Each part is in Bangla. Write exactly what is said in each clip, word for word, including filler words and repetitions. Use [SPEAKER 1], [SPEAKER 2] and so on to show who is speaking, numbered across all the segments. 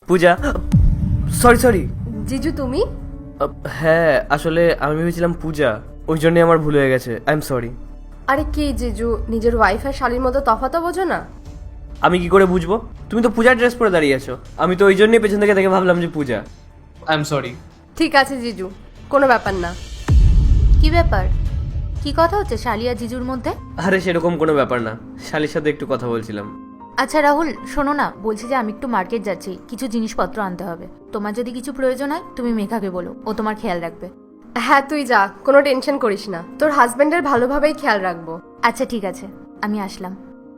[SPEAKER 1] পূজা, সরি সরি।
[SPEAKER 2] জিজু তুমি?
[SPEAKER 1] হ্যাঁ আসলে আমি ভেবেছিলাম পূজা, ওই জন্যই আমার ভুল হয়ে গেছে, আই এম সরি।
[SPEAKER 2] আরে কি জিজু, নিজের ওয়াইফ আর শালীর মতো তফাতও বোঝো না?
[SPEAKER 1] আমি কি করে বুঝবো? তুমি তো পূজার ড্রেস পরে দাঁড়িয়ে আছো, আমি তো ওই জন্যই পেছন থেকে দেখে ভাবলাম যে পূজা। I am sorry.
[SPEAKER 2] ঠিক আছে জিজু, কোনো ব্যাপার না।
[SPEAKER 3] কি ব্যাপার? কি কথা হচ্ছে শালি আর জিজুর মধ্যে?
[SPEAKER 1] আরে সেরকম কোনো ব্যাপার না, শালির সাথে একটু কথা বলছিলাম।
[SPEAKER 3] আচ্ছা রাহুল, শোনো না, বলছি যে আমি একটু মার্কেট যাচ্ছি, কিছু জিনিসপত্র আনতে হবে। তোমার যদি কিছু প্রয়োজন হয় তুমি মেঘাকে বলো, ও তোমার খেয়াল রাখবে।
[SPEAKER 2] হ্যাঁ তুই যা, কোনো টেনশন করিস না, তোর হাজবেন্ডের ভালোভাবেই খেয়াল রাখবো।
[SPEAKER 3] আচ্ছা ঠিক আছে, আমি আসলাম।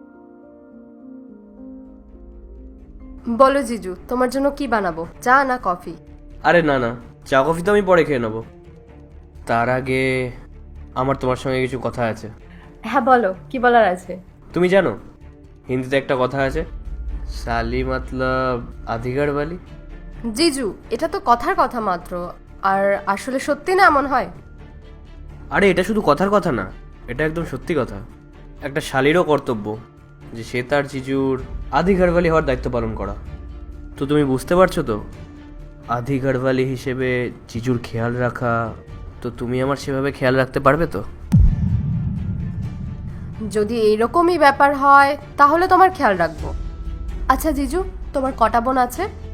[SPEAKER 2] বলো জিজু, তোমার জন্য কি বানাবো, চা না কফি?
[SPEAKER 1] আরে না না, চা কফি তো আমি পরে খেয়ে নেবো, তার আগে আমার তোমার সঙ্গে কিছু কথা আছে।
[SPEAKER 2] হ্যাঁ বলো, কি বলার আছে?
[SPEAKER 1] তুমি জানো হিন্দিতে একটা কথা আছে, সালি মতলব আধিকার বালি।
[SPEAKER 2] জিজু, এটা তো কথার কথা মাত্র, আর আসলে সত্যি না এমন হয়?
[SPEAKER 1] আরে এটা শুধু কথার কথা না, এটা একদম সত্যি কথা। একটা শালিরও কর্তব্য যে সে তার জিজুর আধি ঘরবালি হওয়ার দায়িত্ব পালন করা। তো তুমি বুঝতে পারছো তো, আধি ঘরবালি হিসেবে জিজুর খেয়াল রাখা, তো তুমি আমার সেভাবে খেয়াল রাখতে পারবে তো?
[SPEAKER 2] যদি এইরকমই ব্যাপার হয় তাহলে তোমার খেয়াল রাখবো। আচ্ছা জিজু, তোমার কটা বোন আছে?